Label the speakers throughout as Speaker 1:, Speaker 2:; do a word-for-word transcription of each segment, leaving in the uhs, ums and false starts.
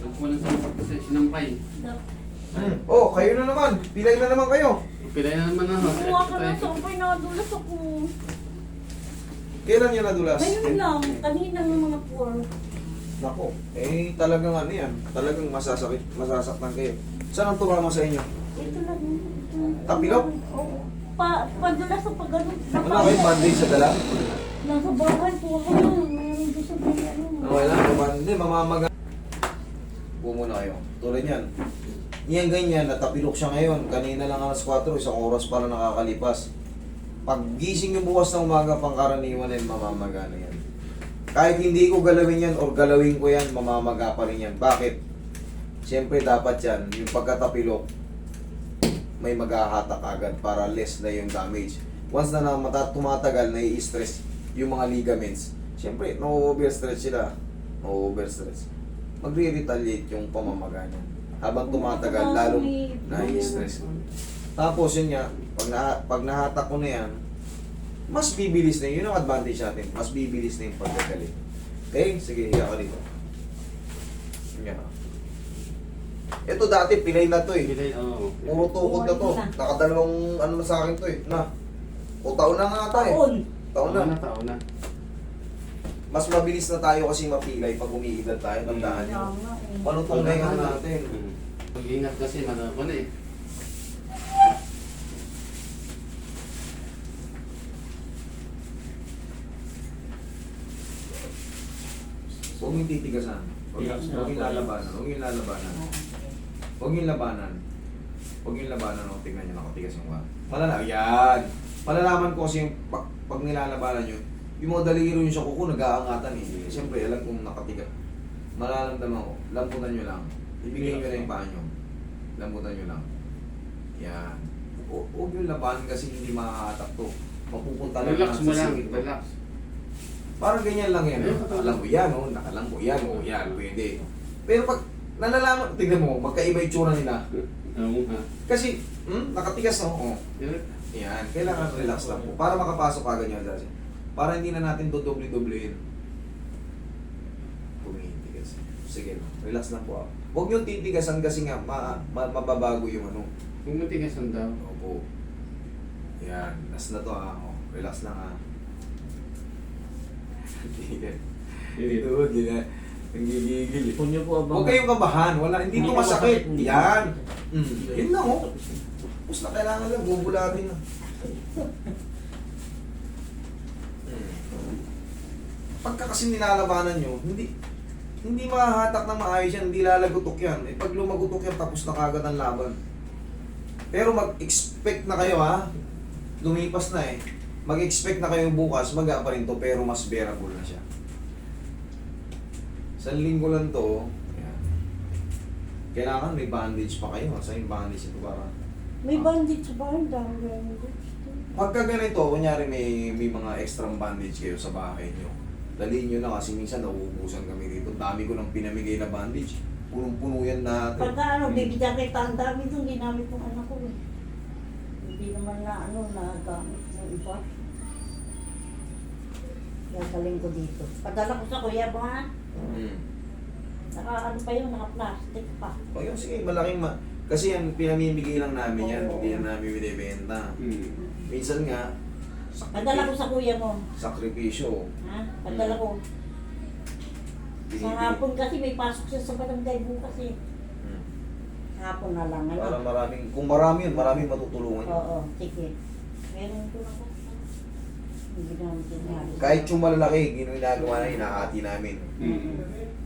Speaker 1: Nagkulang sa kasi sinampay.
Speaker 2: Hmm. Oh, kayo na naman. Pilay na naman kayo.
Speaker 1: Pilay na naman ako.
Speaker 3: Kumuha ka na sa umpay, nakadulas ako.
Speaker 2: Kailan yun nadulas?
Speaker 3: Ngayon lang, kanina ng mga four.
Speaker 2: Nako, eh talagang ano yan. Talagang masasakit, masasaktan kayo. Saan ang tumama sa inyo?
Speaker 3: Ito lang. ito.
Speaker 2: Tapilok?
Speaker 3: Oo. Pa, padulas sa pag ano.
Speaker 2: Ano kayo, bandage sa dala?
Speaker 3: Nasa bahay po ako. Mayroon doon sa bahay. Ano.
Speaker 2: Okay lang, kuman. Hindi, mamamaga. Upo muna kayo. Tulad yan. Yan ganyan, natapilok siya ngayon. Kanina lang alas kwatro, isang oras para nakakalipas. Pag gising yung bukas ng umaga, pangkaraniwan yan, mamamaga na yan. Kahit hindi ko galawin yan or galawin ko yan, mamamaga pa rin yan. Bakit? Siyempre dapat yan, yung pagkatapilok, may maghahatak agad para less na yung damage. Once na namata, tumatagal, nai-stress yung mga ligaments. Siyempre, no-overstretch sila. No-overstretch. Magre-retaliate yung pamamaga niya. Habang tumatagal, lalong nai-stress. Tapos yun nga, pag, na, pag nahatak ko na yan, mas bibilis na yun. Yun ang advantage natin. Mas bibilis na yung pagkagaling. Okay? Sige, hiya ka dito. Yan. Ito dati, pilay na to eh.
Speaker 1: Pilay, oo.
Speaker 2: Puro tukod na to. Nakadalawang ano na sa akin to eh. Na. O taon na nga ata eh.
Speaker 3: Taon.
Speaker 2: Taon na.
Speaker 1: Taon na, taon na.
Speaker 2: Mas mabilis na tayo kasi mapilay pag umiidad tayo. Tandaan nyo.
Speaker 3: Kaya nga eh.
Speaker 2: Panutong na yung ano natin.
Speaker 1: Pag-ingat kasi, manako na eh.
Speaker 2: Huwag yung titigasan. Huwag yung, huwag yung lalabanan. Huwag yung lalabanan. Huwag yung labanan. Huwag yung labanan. O, tignan nyo, nakatigas yung wa. Malala, yan! Malalaman ko kasi yung pag, pag nilalabanan nyo, yung mga daliro nyo sa kuko, nag-aangatan eh. Siyempre, alam kong nakatigas. Malalamdaman ko, lamputan nyo lang. Ibigay nyo na yung paa nyo. Lamputan nyo lang. Yan. Hu- Huwag yung labanan kasi hindi makakatak to. Mapupunta lang
Speaker 1: Relax
Speaker 2: sa
Speaker 1: mo lang,
Speaker 2: singit mo.
Speaker 1: relax.
Speaker 2: Parang ganyan lang yan. Eh. Alam mo yan, oh, nakalam mo yan, oh, yan, pwede. Pero pag nalalaman, tignan mo, magkaiba yung tsura nila.
Speaker 1: Oo nga.
Speaker 2: Kasi, hmm, nakatigas na, oh. Yan, kailangan relax lang po. Para makapasok agad yung adjustment. Para hindi na natin dodoble-doblein. Tumitigas. Sige, relax lang po. ah. Huwag yung titigasan kasi nga, ma ma mababago yung ano.
Speaker 1: Kung matigasan daw.
Speaker 2: Opo. Yan, last na to ah. Oh, relax lang ah. Ito, hindi na. Nanggigigil.
Speaker 4: Kung niyo po abang...
Speaker 2: Huwag kayong kabahan. Wala, hindi ito masakit. Yan. Mm. Yun lang oh. Tapos na kailangan lang, bubulatin na. Mm. Pagka kasi nilalabanan nyo, hindi hindi mahahatak na maayos yan, hindi lalagutok yan. Eh, pag lumagutok yan, tapos na kagad ang laban. Pero mag-expect na kayo ha. Lumipas na eh. Mag-expect na kayo bukas, maga pa rin to, pero mas bearable na siya. Sa linggo lang to, yan. Kailangan may bandage pa kayo. Sa yung bandage ito para...
Speaker 3: May bandit sa bahay. Dami bandit.
Speaker 2: Pagka ganito, kunyari may, may mga extra bandage kayo sa bahay nyo. Daliin nyo na kasi minsan nauubusan kami dito. Dami ko nang pinamigay na bandage. Punong-puno yan natin.
Speaker 3: Pagka ano, bibigyan kita ang dami itong ginamit ng anak ko eh. Hindi naman na ano, nagamit ng iba. Gagaling ko dito. Padala ko sa kuya mo ha.
Speaker 2: Hmm.
Speaker 3: Naka ano pa yun, naka plastic pa.
Speaker 2: O yun, sige, malaking ma... Kasi yan, pinamimigay lang namin yan.
Speaker 3: Oo.
Speaker 2: Hindi yan namin binibenta.
Speaker 1: Hmm.
Speaker 2: Minsan nga,
Speaker 3: Padala ko sa kuya mo.
Speaker 2: sakripisyo.
Speaker 3: Ha? Padala ko. Sa
Speaker 2: Binibigay.
Speaker 3: hapon kasi may pasok siya sa barangay bukas eh.
Speaker 2: Hmm.
Speaker 3: Hapon na lang. Ano?
Speaker 2: Para maraming, kung marami yun, maraming matutulungan yun.
Speaker 3: Oo, sige. Meron ko na ko. Hindi naman tinali.
Speaker 2: Kahit yung malalaki, ginagawa na, hinahati namin.
Speaker 1: Hmm.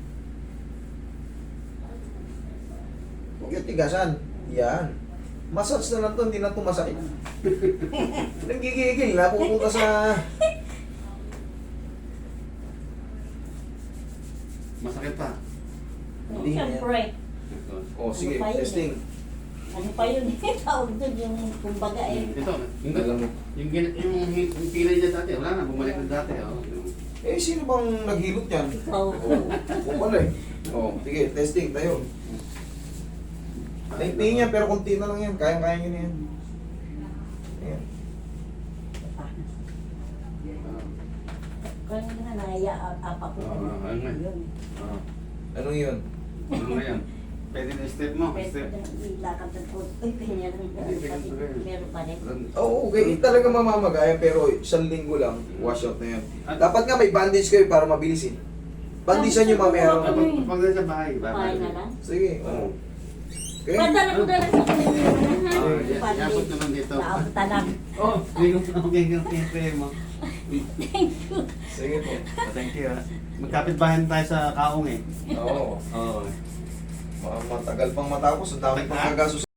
Speaker 2: Huwag yung tigasan. Yan. Massage na lang to, hindi na to masakit. Nanggigigil, napupunta sa...
Speaker 1: Masakit pa.
Speaker 2: Hindi na yan.
Speaker 3: Siyempre.
Speaker 1: Ito.
Speaker 2: Oh, sige,
Speaker 3: Ano pa yun
Speaker 2: testing.
Speaker 3: Ano pa yun eh? Tawag doon yung kumbaga eh.
Speaker 1: Ito, yung,
Speaker 2: Alam mo.
Speaker 1: yung, gin- yung, yung pilay niya dati, wala na, bumalik na dati. Oh.
Speaker 2: Eh, sino bang naghilot yan?
Speaker 3: Ikaw.
Speaker 2: Oo, oh, wala eh. Oh, sige, testing tayo. Taintingin yan, pero konti na lang yan. Kayang-kaya nyo na yan. Ayan.
Speaker 3: Kaya nga naya apa ko
Speaker 1: Oo, ayun nga.
Speaker 3: yun.
Speaker 1: Ah.
Speaker 2: Ano yun?
Speaker 1: Ano na yan? Pwede na step mo.
Speaker 3: Pwede
Speaker 1: Step.
Speaker 3: na ilakad ng po. Uy, ganyan lang.
Speaker 1: Hindi, ganito rin.
Speaker 3: Meron pa rin.
Speaker 2: Oo, okay. Talaga mamamagaya pero isang linggo lang, wash out na yan.
Speaker 1: At-
Speaker 2: Dapat nga may bandage kayo para mabilis eh. Bandisan nyo mamaya.
Speaker 1: Pag pag na sa bahay,
Speaker 3: Bahay na lang.
Speaker 2: Sige, oo. Okay?
Speaker 3: Padala ko dala sa kanila.
Speaker 1: Oh, yeah. Yapot naman dito.
Speaker 3: Naabot lang.
Speaker 1: Oh, hindi ko okay ka kaya mo.
Speaker 2: Sige po.
Speaker 1: Thank you. ah. Magkapit bahay tayo sa Kaong eh.
Speaker 2: Oo.
Speaker 1: Oo.
Speaker 2: Mga matagal pang matapos, ang dami pang
Speaker 1: Ha?
Speaker 2: kagasos.